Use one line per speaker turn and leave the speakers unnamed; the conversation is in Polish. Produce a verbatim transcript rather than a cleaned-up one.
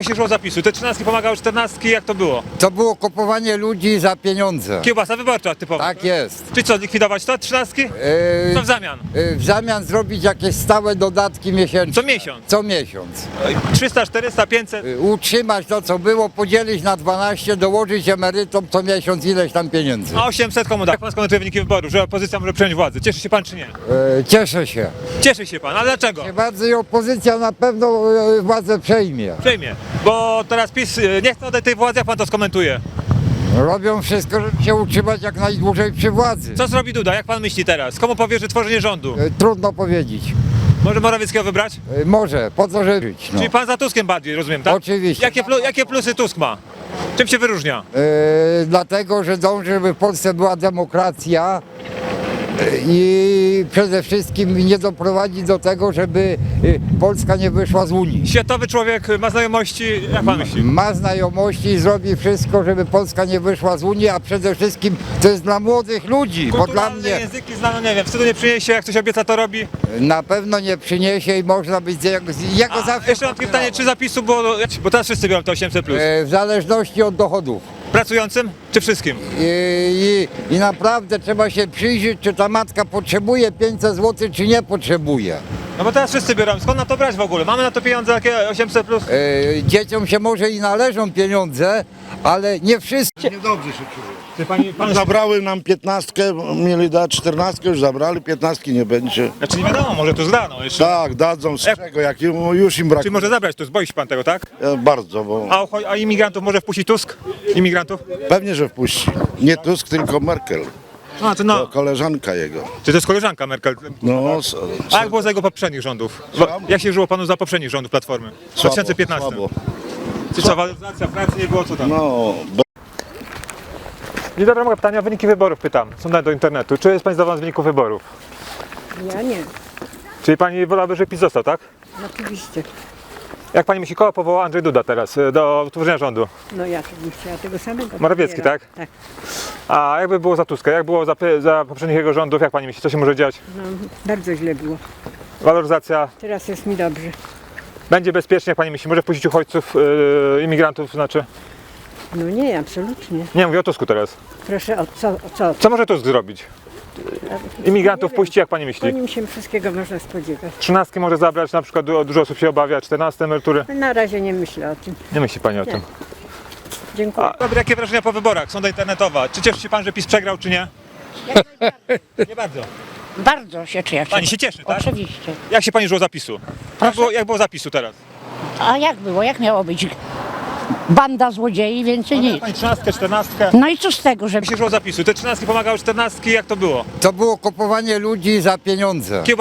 się żyło zapisu? Te trzynastki pomagały czternastki, jak to było?
To było kupowanie ludzi za pieniądze.
Kiełbasa wyborcza typowo.
Tak jest.
Czy co, likwidować to, trzynastki?
Yy,
Co w zamian?
yy, w zamian zrobić jakieś stałe dodatki miesięczne.
Co miesiąc?
Co miesiąc.
trzysta, czterysta, pięćset?
Yy, utrzymać to, co było, podzielić na dwanaście, dołożyć emerytom co miesiąc ileś tam pieniędzy.
A osiemset komu da? Jak pan skomentuje wyniki wyborów, że opozycja może przejąć władzę? Cieszy się pan czy nie?
Yy, cieszę się.
Cieszy się pan, a dlaczego?
Bardzo i opozycja na pewno yy, władzę przejmie.
Przejmie, bo teraz PiS y, nie chce oddać tej władzy, jak pan to skomentuje.
Robią wszystko, żeby się utrzymać jak najdłużej przy władzy.
Co zrobi Duda, jak pan myśli teraz? Komu powierzy tworzenie rządu?
Yy, trudno powiedzieć.
Może Morawieckiego wybrać?
Yy, może, po co żyć? No.
Czyli pan za Tuskiem bardziej, rozumiem, tak?
Oczywiście.
Jakie, plu, jakie plusy Tusk ma? Czym się wyróżnia?
Yy, dlatego, że dąży, żeby w Polsce była demokracja yy, i przede wszystkim nie doprowadzić do tego, żeby yy, Polska nie wyszła z Unii.
Światowy człowiek ma znajomości, jak pan myśli?
Ma znajomości i zrobi wszystko, żeby Polska nie wyszła z Unii, a przede wszystkim to jest dla młodych ludzi, bo dla
Kulturalne
mnie
języki znane, nie wiem, wstydu nie przyniesie, jak coś obieca, to robi.
na pewno nie przyniesie i można być z jego, z jego
A,
zawsze
jeszcze mam takie pytanie, czy zapisu było, bo teraz wszyscy biorą te osiemset plus.
yy, w zależności od dochodów.
Pracującym czy wszystkim?
I, i, I naprawdę trzeba się przyjrzeć, czy ta matka potrzebuje pięćset złotych, czy nie potrzebuje.
No bo teraz wszyscy biorą, skąd na to brać w ogóle? Mamy na to pieniądze, jakie osiemset plus?
Yy, dzieciom się może i należą pieniądze, ale nie wszystkie.
Niedobrze się czuję.
Czy pani, pan...
Zabrały nam piętnastkę, mieli dać czternastkę, już zabrali, piętnastki nie będzie.
Znaczy nie wiadomo, może tu zdano jeszcze.
Tak, dadzą z
Jak-
czego, jak im- już im
Czy
brakuje.
może zabrać tu, zboi się pan tego, tak?
E, Bardzo, bo
A, ucho- a imigrantów może wpuścić Tusk? Imigrantów?
pewnie, że wpuści. Nie Tusk, tylko Merkel.
A, to
To
no.
koleżanka jego.
Czy to jest koleżanka Merkel?
No, s-
A jak było za jego poprzednich rządów? Bo, jak się żyło panu za poprzednich rządów Platformy? W dwa tysiące piętnastym.
Słabo.
Czy co, waloryzacja pracy nie było, co tam?
No, bo
Dzień dobry, mogę pytania o wyniki wyborów pytam. Są dane do internetu. Czy jest pani zadowolona z wyników wyborów?
Ja nie,
Czyli pani wolałaby, żeby PiS został, tak?
oczywiście.
Jak pani myśli, kogo powoła Andrzej Duda teraz y, do utworzenia rządu?
No ja to bym chciała tego samego.
Morawiecki,
premiera.
tak?
Tak.
A jakby było za Tuska? Jak było za, py- za poprzednich jego rządów? Jak pani myśli, co się może dziać?
No, bardzo źle było.
Waloryzacja
Teraz jest mi dobrze.
będzie bezpiecznie, jak pani myśli? Może wpuścić uchodźców, yy, imigrantów, znaczy?
No nie, absolutnie.
Nie, mówię o Tusku teraz.
Proszę, o co? O co?
Co może Tusk zrobić? Imigrantów puści, jak pani
Po
myśli?
nim się wszystkiego można spodziewać.
Trzynastki może zabrać, na przykład du- dużo osób się obawia, czternaste emerytury.
Na razie nie myślę o tym.
Nie myśli pani o
Nie.
tym.
Dziękuję.
A, dobry, jakie wrażenia po wyborach? Sonda internetowa. Czy cieszy się pan, że PiS przegrał, czy nie? Nie bardzo.
Bardzo się cieszę.
Pani się cieszy, tak?
Oczywiście.
Jak się pani żyło zapisu? Jak było, jak było zapisu teraz?
A jak było? Jak miało być? Banda złodziei, więcej
Jak
nic.
pani trzynastkę, czternastkę?
No i co z tego, że
Jak się żyło zapisu? Te trzynastki pomagały czternastki, jak to było?
To było kupowanie ludzi za pieniądze.